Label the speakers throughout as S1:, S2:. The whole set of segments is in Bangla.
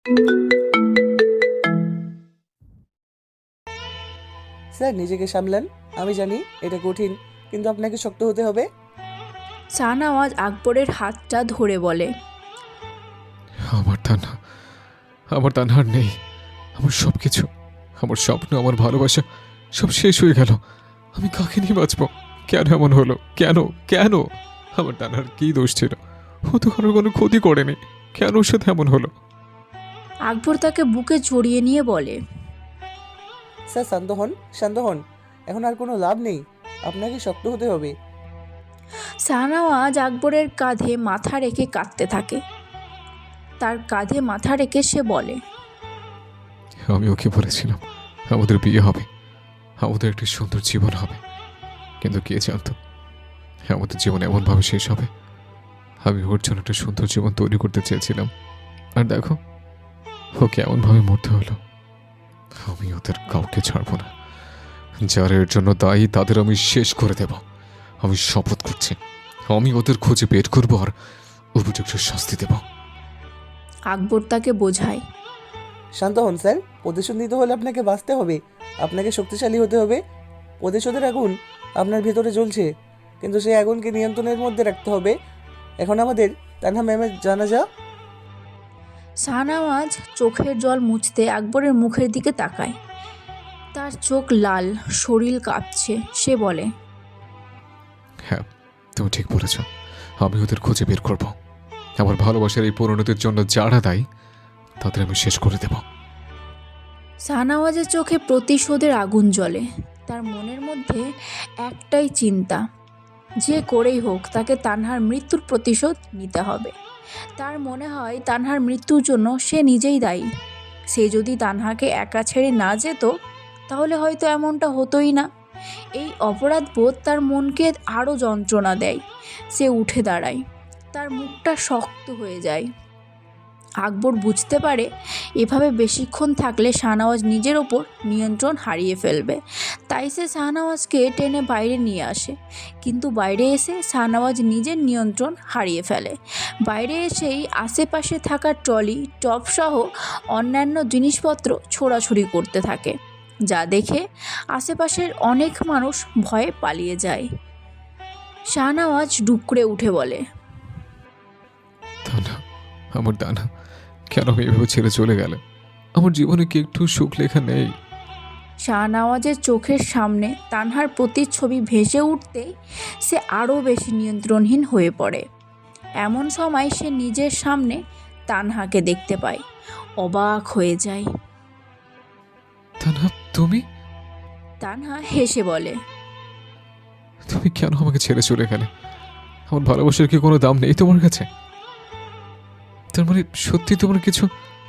S1: স্যার নিজেকে সামলান, আমি জানি এটা কঠিন, কিন্তু আপনাকে শক্ত হতে হবে।
S2: শাহনওয়াজ আকবরের হাতটা ধরে বলে,
S3: আমার তানহা, আমার তানহার নেই। আমার সব কিছু, আমার স্বপ্ন, আমার ভালোবাসা সব শেষ হয়ে গেল। আমি কাকে নিয়ে বাঁচব? কেন এমন হলো? কেন কেন? আমার তানহার কি দোষ ছিল? ও তো কারোর কোনো ক্ষতি করেনি, কেন ওর সাথে এমন হলো?
S2: আকবর তাকে বুকে জড়িয়ে নিয়ে বলে,
S1: স্যার শান্ত হন, শান্ত হন, এখন আর কোনো লাভ নেই, আপনাকে শক্ত হতে হবে।
S2: শাহনওয়াজ আকবরের কাঁধে মাথা রেখে কাঁদতে থাকে। তার কাঁধে মাথা রেখে সে বলে,
S3: আমি ওকে বলেছিলাম আমাদের বিয়ে হবে, আমাদের একটি সুন্দর জীবন হবে, কিন্তু কে জানতো আমাদের জীবন এমনভাবে শেষ হবে। আমি ওর জন্য একটা সুন্দর জীবন তৈরি করতে চেয়েছিলাম, আর দেখো ওকে এমনভাবে মরতে হলো। আমি ওদের কাউকে ছাড়বো না। যারা এর জন্য দায়ী তাদের আমি শেষ করে দেব। আমি শপথ করছি, আমি ওদের খুঁজে বের করবো আর উপযুক্ত শাস্তি দেব।
S2: আকবর তাকে বোঝায়,
S1: শান্ত হন স্যার, প্রতিশোধ নিতে হলে আপনাকে বাঁচতে হবে, আপনাকে শক্তিশালী হতে হবে। প্রতিশোধের আগুন আপনার ভেতরে জ্বলছে, কিন্তু সেই আগুনকে নিয়ন্ত্রণের মধ্যে রাখতে হবে। এখন আমাদের তানহা ম্যামের জানাজা।
S2: শাহনওয়াজ চোখের জল মুছতে আকবরের মুখের দিকে তাকায়। তার চোখ লাল, শরীর কাঁপছে। সে বলে,
S3: হ্যাঁ, তুমি ঠিক বলেছ, আমি ওদের খুঁজে বের করব। আমার ভালোবাসার এই পরিণতির জন্য যারা দায়ী তাদের আমি শেষ করে দেব।
S2: শাহনওয়াজের চোখে প্রতিশোধের আগুন জ্বলে। তার মনের মধ্যে একটাই চিন্তা, যে করেই হোক তাকে তানহার মৃত্যুর প্রতিশোধ নিতে হবে। তার মনে হয় তানহার মৃত্যুর জন্য সে নিজেই দায়ী। সে যদি তানহাকে একা ছেড়ে না যেত তাহলে হয়তো এমনটা হতোই না। এই অপরাধবোধ তার মনকে আরও যন্ত্রণা দেয়। সে উঠে দাঁড়ায়, তার মুখটা শক্ত হয়ে যায়। আকবর বুঝতে পারে এভাবে বেশিক্ষণ থাকলে শাহনওয়াজ নিজের ওপর নিয়ন্ত্রণ হারিয়ে ফেলবে। তাই সে শাহনওয়াজকে টেনে বাইরে নিয়ে আসে, কিন্তু বাইরে এসে শাহনওয়াজ নিজের নিয়ন্ত্রণ হারিয়ে ফেলে। বাইরে এসেই আশেপাশে থাকা ট্রলি, টপসহ অন্যান্য জিনিসপত্র ছোড়াছুড়ি করতে থাকে, যা দেখে আশেপাশের অনেক মানুষ ভয়ে পালিয়ে যায়। শাহনওয়াজ ডুকরে উঠে বলে,
S3: তানহা, আমার তানহা, কেন আমি এভাবে ছেড়ে চলে গেলে? আমার জীবনে কি একটু সুখ লেখা নেই?
S2: শাহনওয়াজের চোখের সামনে তানহার প্রতিচ্ছবি ভেসে উঠতেই সে আরও বেশি নিয়ন্ত্রণহীন হয়ে পড়ে। এমন সময় সে নিজের সামনে তানহাকে দেখতে পায়, অবাক হয়ে যায়।
S3: তানহা, তুমি
S2: তানহা হেসে বলে,
S3: তুমি কেন আমাকে ছেড়ে চলে গেলে? আমার ভালোবাসার কি কোনো দাম নেই তোমার কাছে? তার মানে সত্যি তোমার কিছু?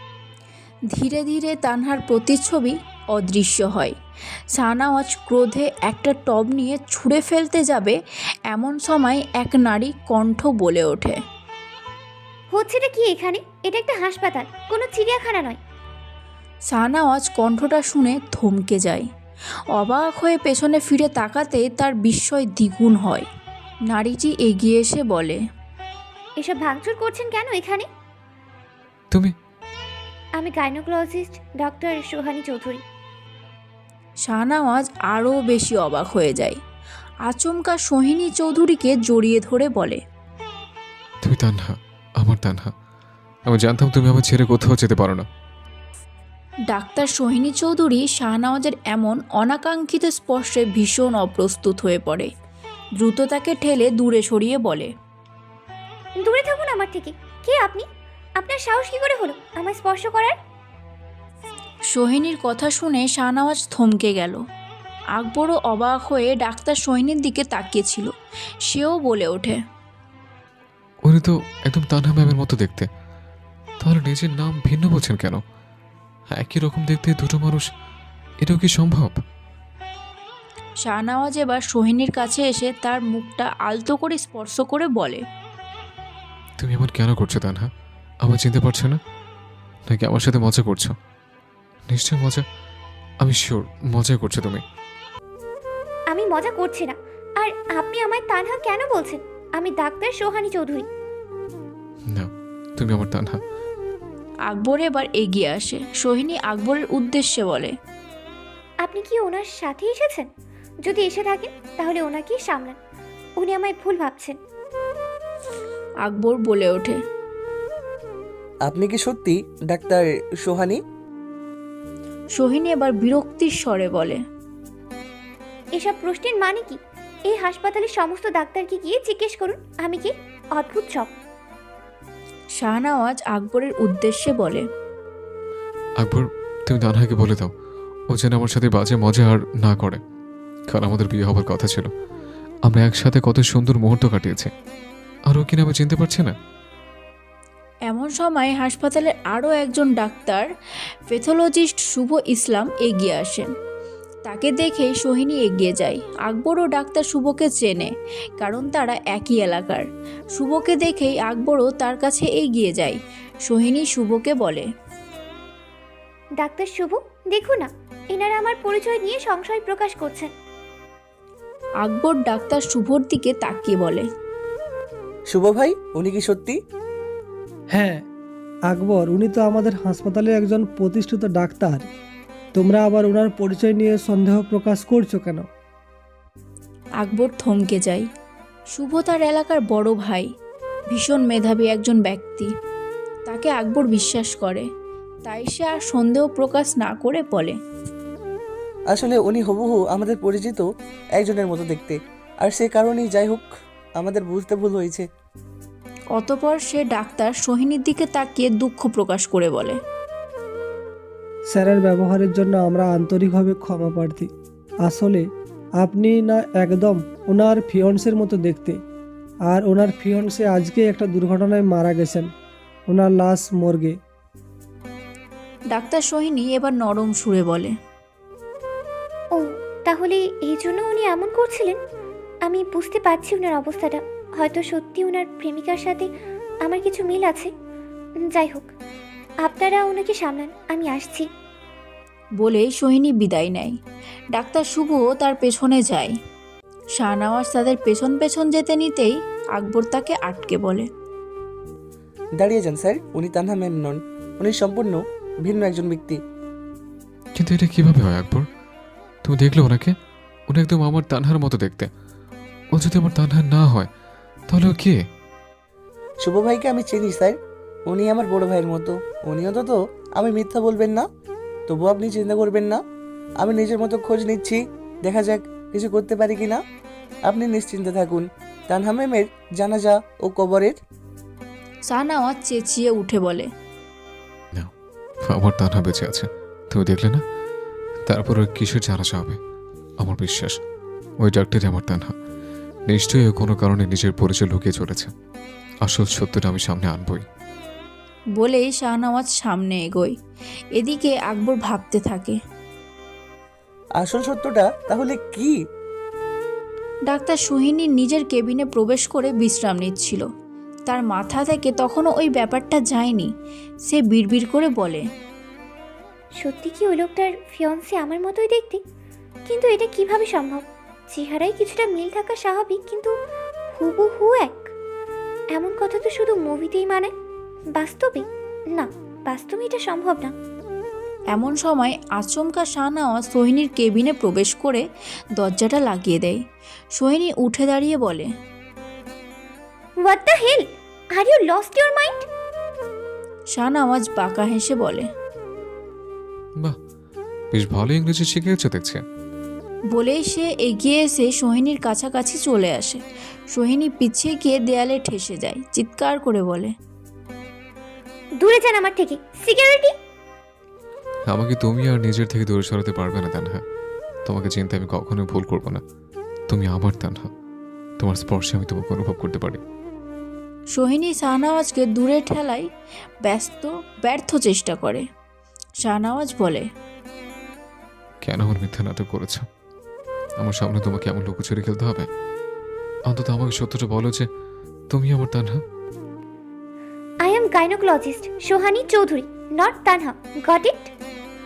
S2: ধীরে ধীরে তানহার প্রতিচ্ছবি অদৃশ্য হয়। শাহনওয়াজ ক্রোধে একটা টব নিয়ে ছুঁড়ে ফেলতে যাবে, এমন সময় এক নারী কণ্ঠ বলে ওঠে,
S4: হচ্ছেটা কি এখানে? এটা একটা হাসপাতাল, কোনো চিড়িয়াখানা নয়।
S2: শাহনওয়াজ কণ্ঠটা শুনে থমকে যায়। অবাক হয়ে পেছনে ফিরে তাকাতে তার বিস্ময় দ্বিগুণ হয়। নারীটি এগিয়ে এসে বলে,
S4: এসব ভাঙচুর করছেন কেন এখানে?
S3: তুমি
S4: আমি গাইনোকোলজিস্ট ডক্টর সোহানী চৌধুরী।
S2: শাহনওয়াজ আরও বেশি অবাক হয়ে যায়। আচমকা সোহিনী চৌধুরীকে জড়িয়ে ধরে বলে,
S3: তুমি তানহা, আমার তানহা। আমি জানতাম তুমি আমার ছেড়ে কোথাও যেতে পারো না।
S2: ডাক্তার সোহিনী চৌধুরী শাহনওয়াজের এমন অনাকাঙ্ক্ষিত স্পর্শে ভীষণ অপ্রস্তুত হয়ে পড়ে। দ্রুত তাকে ঠেলে দূরে সরিয়ে বলে,
S4: দূরে থাকুন আমার থেকে। কে আপনি? আপনার সাহস কি করে হলো আমায় স্পর্শ করার?
S2: সোহিনীর কথা শুনে শাহনওয়াজ থমকে গেল। আকবরও অবাক হয়ে ডাক্তার সোহিনীর দিকে তাকিয়েছিল। সেও বলে ওঠে,
S3: উনি তো একদম তানহা ম্যামের মতো দেখতে, তাহলে নিজের নাম ভিন্ন বলছেন কেন? একই রকম দেখতে দুটো মানুষ, এটাও কি সম্ভব?
S2: শাহনওয়াজ এবার সোহিনীর কাছে এসে তার মুখটা আলতো করে স্পর্শ করে বলে,
S3: তুমি এমন কেন করছো তানহা? আমার চিনতে পারছো না? নাকি আমার সাথে মজা করছো? নিশ্চয় মজা, আমি শিওর মজাই করছো তুমি।
S4: আমি মজা করছি না। আর আপনি আমায় তানহা কেন বলছেন? আমি ডাক্তার সোহানী চৌধুরী।
S3: না, তুমি আমার তানহা।
S2: আকবর এবার এগিয়ে আসে। সোহিনী আকবরের উদ্দেশ্যে বলে,
S4: আপনি কি ওনার সাথে এসেছেন? যদি এসে থাকেন তাহলে ওনাকে সামলান, উনি আমায় ভুল ভাবছেন।
S2: আকবর বলে ওঠে,
S1: আপনি কি সত্যি ডাক্তার সোহানি?
S2: সোহিনী এবার বিরক্তির স্বরে বলে,
S4: এসব প্রশ্নের মানে কি? এই হাসপাতালের সমস্ত ডাক্তারকে গিয়ে জিজ্ঞেস করুন আমি কি। অদ্ভুত সব।
S2: শাহনওয়াজ আকবরের উদ্দেশ্যে বলে,
S3: আকবর, তুমি তানহাকে বলে দাও ও যেন আমার সাথে বাজে মজা আর না করে। কাল আমাদের বিয়ে হবার কথা ছিল, আমরা একসাথে কত সুন্দর মুহূর্ত কাটিয়েছি, আর ও কিনা আমি চিনতে পারছি না।
S2: এমন সময় হাসপাতালের আরও একজন ডাক্তার, প্যাথোলজিস্ট শুভ ইসলাম এগিয়ে আসেন। তাকে দেখেই সোহিনী এগিয়ে যায়। আকবর ও ডাক্তার শুভকে চেনে, কারণ তারা একই এলাকার। শুভকে দেখেই আকবরও তার কাছে এগিয়ে যায়। সোহিনী শুভকে বলে,
S4: ডাক্তার শুভ, দেখুন না, এনারা আমার পরিচয় নিয়ে সংশয় প্রকাশ করছেন।
S2: আকবর ডাক্তার শুভর দিকে তাকিয়ে বলে,
S1: শুভ ভাই, উনি কি সত্যি?
S5: হ্যাঁ আকবর, উনি তো আমাদের হাসপাতালের একজন প্রতিষ্ঠিত ডাক্তার। তোমরা আবার ওনার পরিচয় নিয়ে সন্দেহ প্রকাশ করছো কেন?
S2: আকবর থমকে যায়। শুভ তার এলাকার বড় ভাই, ভীষণ মেধাবী একজন ব্যক্তি। তাকে আকবর বিশ্বাস করে, তাই সে আর সন্দেহ প্রকাশ না করে বলে,
S1: আসলে উনি হুবহু আমাদের পরিচিত একজনের মতো দেখতে, আর সে কারণেই যাই হোক আমাদের বুঝতে ভুল হয়েছে।
S2: অতপর সে ডাক্তার সোহিনীর দিকে তাকিয়ে দুঃখ প্রকাশ করে বলে,
S5: স্যারের ব্যবহারের জন্য আমরা আন্তরিকভাবে ক্ষমা প্রার্থী। আসলে আপনি না একদম ওনার ফিয়ন্সের মতো দেখতে, আর ওনার ফিয়ন্সে আজকে একটা দুর্ঘটনায় মারা গেছেন, ওনার লাশ মর্গে।
S2: ডাক্তার সোহিনী এবার নরম সুরে বলে,
S4: ও, তাহলে এই জন্য উনি এমন করছিলেন। আমি বুঝতে পারছি ওনার অবস্থাটা। হয়তো সত্যি ওনার প্রেমিকার সাথে আমার কিছু মিল আছে। যাই হোক, আপনারা ওনাকে সামলান, আমি আসছি।
S2: বলে সোহিনী বিদায় নেয়। ডাক্তার শুভ তার পেছনে যায়। শাহনওয়াজ তাদের পেছন পেছন যেতে নিতেই আকবর তাকে আটকে বলে,
S1: দাঁড়িয়ে যান স্যার, উনি তানহা ম্যাম নন, উনি সম্পূর্ণ ভিন্ন একজন ব্যক্তি।
S3: কিন্তু এটা কিভাবে হয় আকবর? তুমি দেখলে ওনাকে? উনি একদম আমার তানহার মতো দেখতে। ও যদি আমার তানহা না হয় তাহলে ও কে?
S1: শুভ ভাইকে আমি চিনি স্যার, উনি আমার বড় ভাইয়ের মতো। উনি অন্তত আমি মিথ্যা বলবেন না, তবু আপনি চিন্তা করবেন না। আমি নিজের মতো খোঁজ নিচ্ছি, দেখা যাক কিছু করতে পারি কি না। আপনি নিশ্চিন্তে থাকুন। তানহা ম্যামের জানাজা ও কবরের
S2: শাহনওয়াজ চেঁচিয়ে উঠে বলে,
S3: না, আমার তানহা বেঁচে আছে, তুমি দেখলে না? তারপর ওর কিসের জানাজা হবে? আমার বিশ্বাস ওই ডাক্তারই আমার তানহা। নিশ্চয়ই ও কোনো কারণে নিজের পরিচয় লুকিয়ে চলেছে। আসল সত্যটা আমি সামনে আনবই।
S2: বলেই শাহনওয়াজ সামনে এগোয়। এদিকে আকবর ভাবতে থাকে,
S1: আসল সত্যটা তাহলে কি?
S2: ডাক্তার সোহিনী নিজের কেবিনে প্রবেশ করে বিশ্রাম নিচ্ছিল। তার মাথা থেকে তখনও ওই ব্যাপারটা যায়নি। সে বিড়বিড় করে বলে,
S4: সত্যি কি ওই লোকটার ফিয়ন্সে আমার মতোই দেখতে? কিন্তু এটা কিভাবে সম্ভব? চেহারায় কিছুটা মিল থাকা স্বাভাবিক, কিন্তু হুবহু এক। এমন কথা তো শুধু মুভিতেই মানে, বাস্তবে না। বাস্তবে এটা সম্ভব না।
S2: এমন সময় আচমকা শাহনওয়াজ সোহিনীর কেবিনে প্রবেশ করে দরজাটা লাগিয়ে দেয়। সোহিনী উঠে দাঁড়িয়ে বলে,
S4: what the hell, are you lost your mind?
S2: Shahnawaz বাঁকা হেসে বলে,
S3: বাহ, বেশ ভালো ইংরেজি শিখেছো দেখছে।
S2: বলেই সে এগিয়ে এসে সোহিনীর কাছাকাছি চলে আসে। সোহিনী পিছিয়ে গিয়ে দেয়ালে ঠেসে যায়, চিৎকার করে বলে,
S4: দূরে যান আমার থেকে, সিকিউরিটি!
S3: আমাকে তুমি আর নিজের থেকে দূরে সরাতে পারবে না তানহা। তোমাকে চিনতে আমি কখনোই ভুল করব না। তুমি আমার তানহা, তোমার স্পর্শে আমি তোমাকে অনুভব করতে পারি।
S2: সোহিনী শাহনওয়াজকে দূরে ঠেলায় ব্যর্থ চেষ্টা করে। শাহনওয়াজ বলে,
S3: কেন আমার মিথ্যা নাটক করেছ? আমার সামনে তোমাকে এমন লুকোচুরি খেলতে হবে? অন্তত আমাকে সত্যটা বলো যে তুমি আমার Tanha.
S4: I am gynaecologist Sohani Chowdhury, not Tanha. Got it?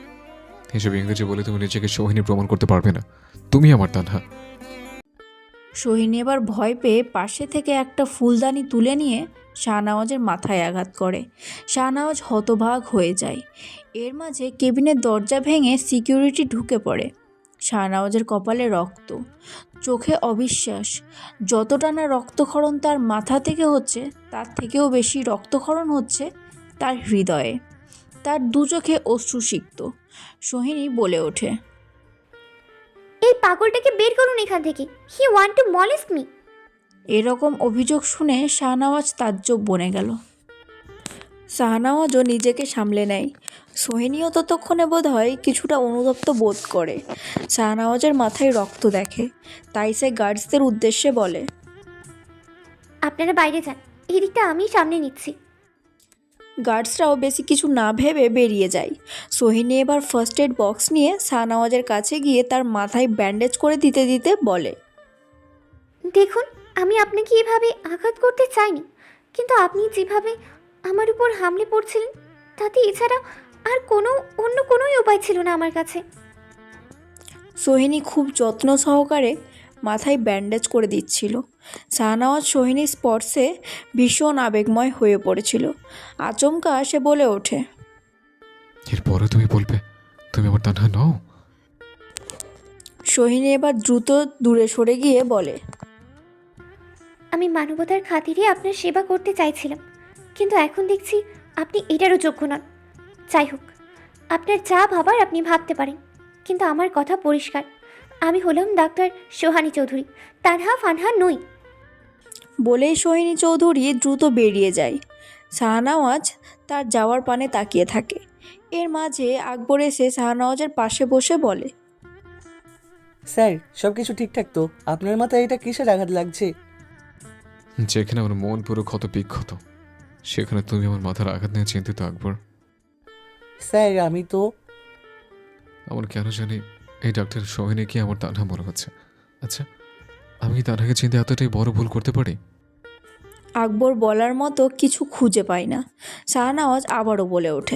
S3: এসব ইংরেজি বলে তুমি নিজেকে সোহিনী প্রমাণ করতে পারবে না। তুমি আমার তানহা।
S2: সোহিনী এবার ভয় পেয়ে পাশে থেকে একটা ফুলদানি তুলে নিয়ে শাহনওয়াজের মাথায় আঘাত করে। শাহনওয়াজ হতবাক হয়ে যায়। এর মাঝে কেবিনের দরজা ভেঙে সিকিউরিটি ঢুকে পড়ে। শাহনওয়াজের কপালে রক্ত, চোখে অবিশ্বাস। যতটা না রক্তক্ষরণ তার মাথা থেকে হচ্ছে, তার থেকেও বেশি রক্তক্ষরণ হচ্ছে তার হৃদয়ে। তার দু চোখে অশ্রুসিক্ত। সোহিনী বলে ওঠে,
S4: এই পাগলটাকে বের করুন এখান থেকে। He want to molest me.
S2: এরকম অভিযোগ শুনে শাহনওয়াজ তাজ্জব বনে গেল। শাহনওয়াজও নিজেকে সামলে নেয়। সোহিনীও ততক্ষণে বোধ হয় কিছুটা অনুতপ্ত বোধ করে। শাহনওয়াজের মাথায় রক্ত দেখে, তাই সে গার্ডসদের উদ্দেশ্যে বলে,
S4: আপনারা বাইরে যান, এই দিকটা আমি সামনে নিচ্ছি।
S2: গার্ডসরাও বেশি কিছু না ভেবে বেরিয়ে যায়। সোহিনী এবার ফার্স্ট এড বক্স নিয়ে শাহনওয়াজের কাছে গিয়ে তার মাথায় ব্যান্ডেজ করে দিতে দিতে বলে,
S4: দেখুন, আমি আপনাকে এভাবে আঘাত করতে চাইনি, কিন্তু আপনি যেভাবে আমার উপর হামলে পড়ছিলেন, তাতে এছাড়া আর অন্য কোনোই উপায় ছিল না আমার কাছে।
S2: সোহিনী খুব যত্ন সহকারে মাথায় ব্যান্ডেজ করে দিচ্ছিল। শাহনওয়াজ সোহিনীর স্পর্শে ভীষণ আবেগময় হয়ে পড়েছিল। আচমকা সে বলে ওঠে,
S3: এরপরে তুমি বলবে তুমি আমার তানহা নও?
S2: সোহিনী এবার দ্রুত দূরে সরে গিয়ে বলে,
S4: আমি মানবতার খাতিরে আপনার সেবা করতে চাইছিলাম, কিন্তু এখন দেখছি আপনি এটারও যোগ্য নন। যাই হোক, আপনার যা ভাবার আপনি ভাবতে পারেন, কিন্তু আমার কথা পরিষ্কার, আমি হলাম ডাক্তার সোহানী চৌধুরী, তানহা ফানহা নই।
S2: বলেই সোহিনী চৌধুরী দ্রুত বেরিয়ে যায়। শাহনওয়াজ তার যাওয়ার পানে তাকিয়ে থাকে। এর মাঝে আকবর এসে শাহনওয়াজের পাশে বসে বলে,
S1: স্যার সব কিছু ঠিকঠাক তো? আপনার মাথায় এটা কিসের আঘাত লাগছে?
S3: যেখানে আমার মন পুরো ক্ষত বিক্ষত, সেখানে তুমি আমার মাথার আঘাত নিয়ে চিন্তিত আকবর।
S1: স্যার আমি তো
S3: আমার কেন জানি এই ডাক্তার সোহিনীকে আমার তানহা মনে হচ্ছে। আচ্ছা, আমি কি তানহাকে চিনতে এতটাই বড় ভুল করতে পারি?
S2: আকবর বলার মতো কিছু খুঁজে পায় না। শাহনওয়াজ আবারও বলে ওঠে,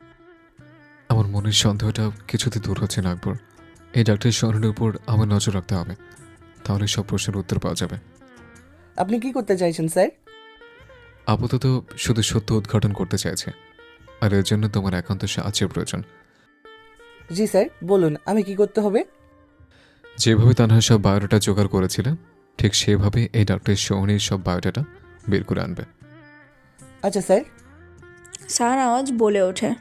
S3: আমার মনের সন্দেহটা কিছুতে দূর হচ্ছে না আকবর। এই ডাক্তার সোহিনীর উপর আমার নজর রাখতে হবে, তাহলে সব প্রশ্নের উত্তর পাওয়া যাবে।
S1: আপনি কি করতে চাইছেন স্যার?
S3: আপাতত শুধু সত্য উদ্ঘাটন করতে চাইছে, আর এর জন্য তোমার একান্ত সাহায্যের প্রয়োজন।
S1: জি স্যার, বলুন আমি কি করতে হবে?
S3: যেভাবে তানহা সব বায়োডাটা জোগাড় করেছিল, ঠিক সেভাবে এই ডাক্তার সোহিনীর সব বায়োডাটা বের করে আনবে।
S1: আচ্ছা স্যার।
S2: শাহনওয়াজ বলে ওঠে,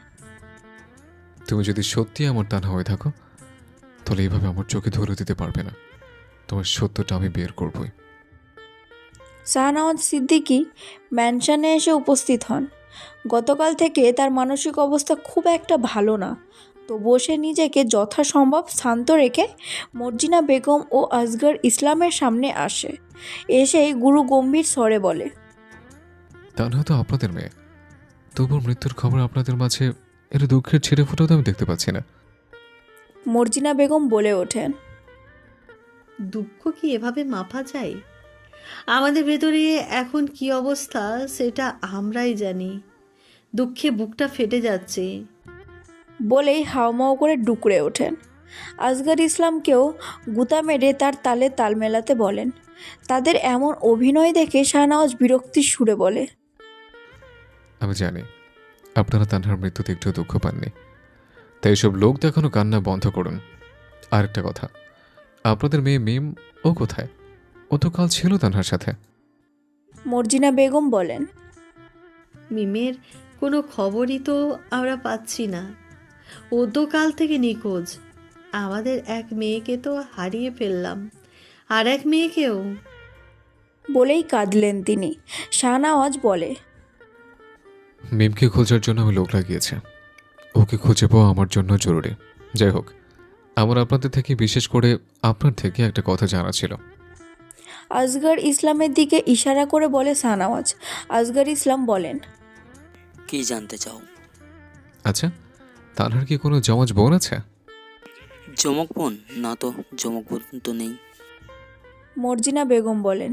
S3: তুমি যদি সত্যি আমার তানহা হয়ে থাকো, তাহলে এইভাবে আমার চোখে ধরে দিতে পারবে না। তোমার সত্যটা আমি বের করবই।
S2: শাহনওয়াজ সিদ্দিকী ম্যানশনে এসে উপস্থিত হন। গতকাল থেকে তার মানসিক অবস্থা খুব একটা ভালো না, তবুও সে নিজেকে যথাসম্ভব শান্ত রেখে মর্জিনা বেগম ও আসগর ইসলামের সামনে আসে। এসেই গুরু গম্ভীর স্বরে বলে,
S3: তানহা তো আপনাদের মেয়ে, তবুও মৃত্যুর খবর আপনাদের মাঝে এর দুঃখের ছিঁড়ে ফুটেও তো আমি দেখতে পাচ্ছি না।
S2: মর্জিনা বেগম বলে ওঠেন,
S6: দুঃখ কি এভাবে মাপা যায়? আমাদের ভেতরে এখন কি অবস্থা সেটা আমরাই জানি। দুঃখে বুকটা ফেটে যাচ্ছে।
S2: বলেই হাওমাও করে ডুকরে ওঠেন। আসগর ইসলামকেও গুতা মেরে তার তালে তাল মেলাতে বলেন। তাদের এমন অভিনয় দেখে শাহনওয়াজ বিরক্তির সুরে বলে,
S3: আমি জানি আপনারা তানহার মৃত্যুতে একটু দুঃখ পাননি, তাই এসব লোক দেখানো কান্না বন্ধ করুন। আরেকটা কথা, আপনাদের মেয়ে মিম ও কোথায়? ও তো কাল ছিল তানহার সাথে।
S2: মর্জিনা বেগম বলেন,
S6: মিমের কোনো খবরই তো আমরা পাচ্ছি না। ও তো কাল থেকে নিখোঁজ। আমাদের এক মেয়েকে তো হারিয়ে ফেললাম, আর এক মেয়েকেও।
S2: বলেই কাঁদলেন তিনি। শাহনওয়াজ বলে,
S3: মিমকে খোঁজার জন্য আমি লোক লাগিয়েছি, ওকে খুঁজে পাওয়া আমার জন্য জরুরি। যাই হোক, আমার আপনাদের থেকে, বিশেষ করে আপনার থেকে একটা কথা জানা ছিল।
S2: আসগর ইসলামের দিকে ইশারা করে বলে শাহনওয়াজ। আসগর ইসলাম বলেন,
S7: কি জানতে চাও?
S3: আচ্ছা, তানহার কি কোনো জমজ বোন আছে?
S7: জমক বোন? না তো, জমক বোন তো নেই।
S2: মর্জিনা বেগম বলেন,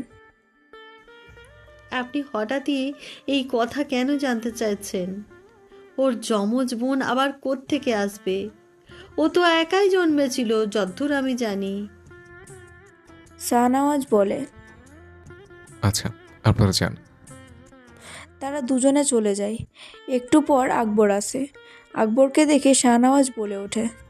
S6: আপনি হঠাৎই এই কথা কেন জানতে চাইছেন? ওর যমজ বোন আবার কোত্থেকে আসবে? ও তো একাই জন্মেছিল যদ্দূর আমি জানি।
S2: শাহনওয়াজ বলে।
S3: আচ্ছা, আপনারা যান।
S2: তারা দুজনে চলে যায়। একটু পর আকবর আসে। আকবরকে দেখে শাহনওয়াজ বলে ওঠে,